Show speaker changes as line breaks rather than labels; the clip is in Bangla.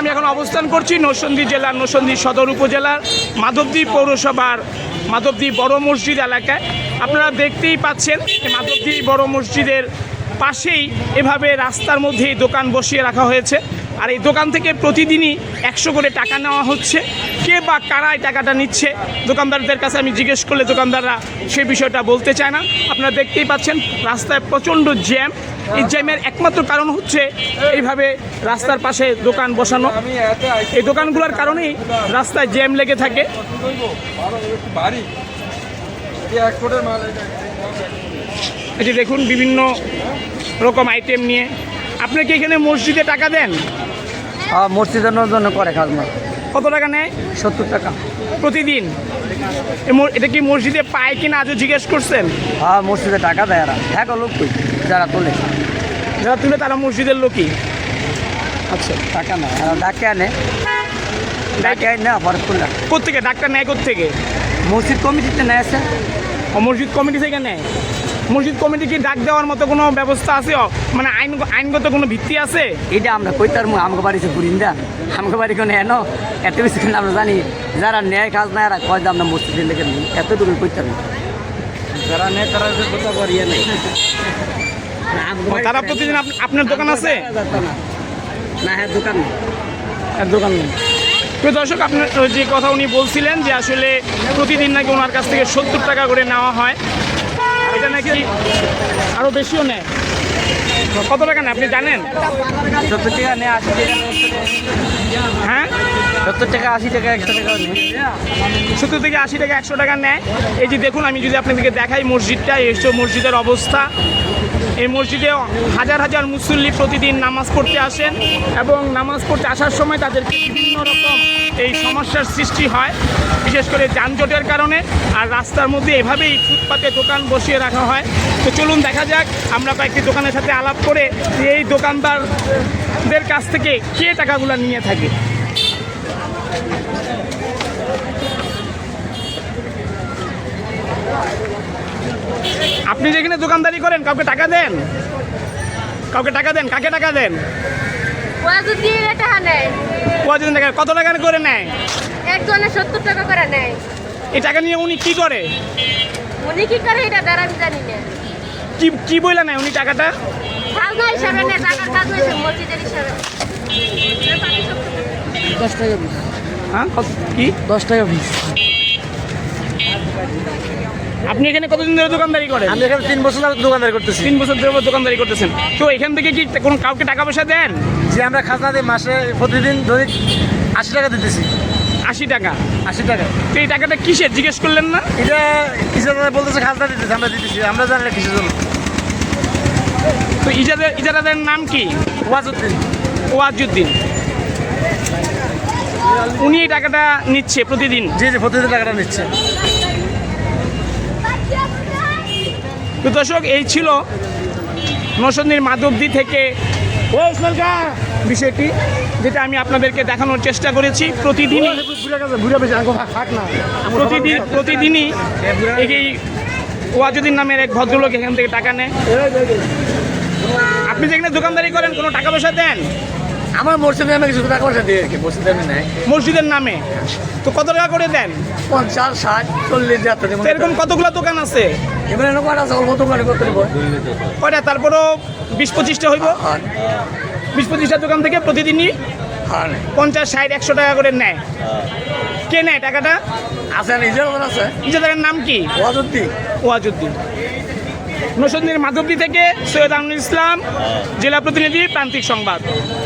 আমি এখন অবস্থান করছি নরসিংদী জেলার নরসিংদী সদর উপজেলার মাধবদী পৌরসভার মাধবদী বড় মসজিদ এলাকায়। আপনারা দেখতেই পাচ্ছেন মাধবদী বড় মসজিদের পাশেই এভাবে রাস্তার মধ্যেই দোকান বসিয়ে রাখা হয়েছে। আর এই দোকান থেকে প্রতিদিনই 100 করে টাকা নেওয়া হচ্ছে। কে বা কারা এই টাকাটা নিচ্ছে দোকানদারদের কাছে আমি জিজ্ঞেস করলে দোকানদাররা সেই বিষয়টা বলতে চায় না। আপনারা দেখতেই পাচ্ছেন রাস্তায় প্রচণ্ড জ্যাম। এই জ্যামের একমাত্র কারণ হচ্ছে এইভাবে রাস্তার পাশে দোকান বসানো। এই দোকানগুলোর কারণেই রাস্তায় জ্যাম লেগে থাকে। এই যে দেখুন বিভিন্ন রকম আইটেম নিয়ে। আপনি কি এখানে মসজিদে টাকা দেন?
হ্যাঁ, মসজিদের জন্য করে খাজনা।
কত টাকা নেয়?
70 টাকা
প্রতিদিন। এটা কি মসজিদে পায় কিনা আজও জিজ্ঞেস করছেন?
হ্যাঁ, মসজিদে টাকা দেয় এরা। হ্যাঁ, লোক যারা তোলে,
যারা তুলে তারা মসজিদের লোকই। আচ্ছা,
টাকা না ডাকে আনে, ডাকে আনে আবার খুললা।
কোথেকে ডাক্তার নেয়? কোথেকে?
মসজিদ কমিটিতে নেয় আছে।
ও, মসজিদ কমিটি থেকে নেয়। মসজিদ কমিটি কি ডাক দেওয়ার মতো কোনো ব্যবস্থা আছে, মানে আইনগত কোনো ভিত্তি আছে?
এটা আমরা কইতার আমাকে বাড়িতে ঘুরিন দা, আমাকে বাড়ি কোনো এনো এত বেশি কিন্তু আমরা জানি যারা নেয় কাজ না এরা কয় যে আমরা মসজিদের লেগে নিই, এতটুকু কইতাম। যারা নেয় তারা কথা করিয়ে নেই।
তারা প্রতিদিন আপনার দোকান আছে
না? হ্যাঁ, দোকান নেই।
দোকান নেই। প্রিয় দর্শক, আপনার যে কথা উনি বলছিলেন যে আসলে প্রতিদিন নাকি ওনার কাছ থেকে 70 টাকা করে নেওয়া হয়। এটা নাকি আরও বেশিও নেয়। কত টাকা নেয় আপনি জানেন?
70 টাকা নেয়, 80 টাকা।
হ্যাঁ,
70 টাকা, 80 টাকা, 100 টাকা নেয়।
70 থেকে 80 টাকা, 100 টাকা নেয়। এই যে দেখুন, আমি যদি আপনাদেরকে দেখাই মসজিদটা, এইসব মসজিদের অবস্থা। এই মসজিদে হাজার হাজার মুসল্লি প্রতিদিন নামাজ পড়তে আসেন এবং নামাজ পড়তে আসার সময় তাদের বিভিন্ন রকম এই সমস্যার সৃষ্টি হয়, বিশেষ করে যানজটের কারণে। আর রাস্তার মধ্যে এভাবেই ফুটপাতে দোকান বসিয়ে রাখা হয়। তো চলুন দেখা যাক, আমরা কয়েকটি দোকানের সাথে আলাপ করে এই দোকানদারদের কাছ থেকে কে টাকাগুলো নিয়ে থাকে। আপনি যেখানে দোকানদারি করেন কাউকে টাকা দেন? কাউকে টাকা দেন? কাকে টাকা দেন? টাকা। কত টাকা করে নেয়?
একজনে 70 টাকা করে নেয়।
এই টাকা নিয়ে উনি কি করে?
উনি কি করে এটা দ্বারা আমি জানি না।
কি বলে নেয় উনি টাকাটা?
খাজনা হিসাবে নেয়, টাকার কাজ হয়েছে মসজিদের হিসাবে।
10 টাকা পিস।
হ্যাঁ, কি
10 টাকা পিস?
আপনি এখানে কতদিন ধরে দোকানদারি করেন?
আমি এখানে 3 বছর ধরে দোকানদারি করতেছি।
3 বছর ধরে দোকানদারি করতেছেন। তো এখান থেকে কি কোনো কাউকে টাকা পয়সা দেন?
যে আমরা খাজনা দিই মাসে প্রতিদিন ধরে 80 টাকা দিতেছি।
80 টাকা?
80 টাকা।
তো এই টাকাটা কিসের জিজ্ঞেস করলেন না?
এটা কিসের জন্য বলতেছে? খাজনা দিতেছি, আমরা দিতেছি, আমরা জানি না কিসের জন্য।
তো ইজারাদের নাম কি?
ওয়াজউদ্দিন।
ওয়াজউদ্দিন। উনি এই টাকাটা নিচ্ছে প্রতিদিন?
জি জি, প্রতিদিন টাকাটা নিচ্ছে।
তো দর্শক, এই ছিল নরসিংদীর মাধবদী থেকে বিষয়টি, যেটা আমি আপনাদেরকে দেখানোর চেষ্টা করেছি। প্রতিদিনই এই ওয়াজউদ্দিন নামের এক ভদ্রলোক এখান থেকে টাকা নেয়। আপনি যেখানে দোকানদারি করেন কোনো টাকা পয়সা দেন?
আমার মসজিদের নামে কিছু টাকা পয়সা দিয়ে রাখি, মসজিদের নামে নেয়।
মসজিদের নামে? তো কত টাকা করে দেন?
50, 60, 40
তো এরকম কতগুলো দোকান আছে?
এবারে কয়টা আছে? অল্প দোকানে করতে হবে
কয়টা? তারপরও 20-25টা হইব। 20-25টা দোকান থেকে প্রতিদিনই 50, 60, 100 টাকা করে নেয়। কে নেয় টাকাটা?
আছে নিজের আছে।
ইজারাদারের নাম কি?
ওয়াজউদ্দিন।
ওয়াজউদ্দিন। নরসিংদীর মাধবদী থেকে সৈয়দ আমিনুল ইসলাম, জেলা প্রতিনিধি, প্রান্তিক সংবাদ।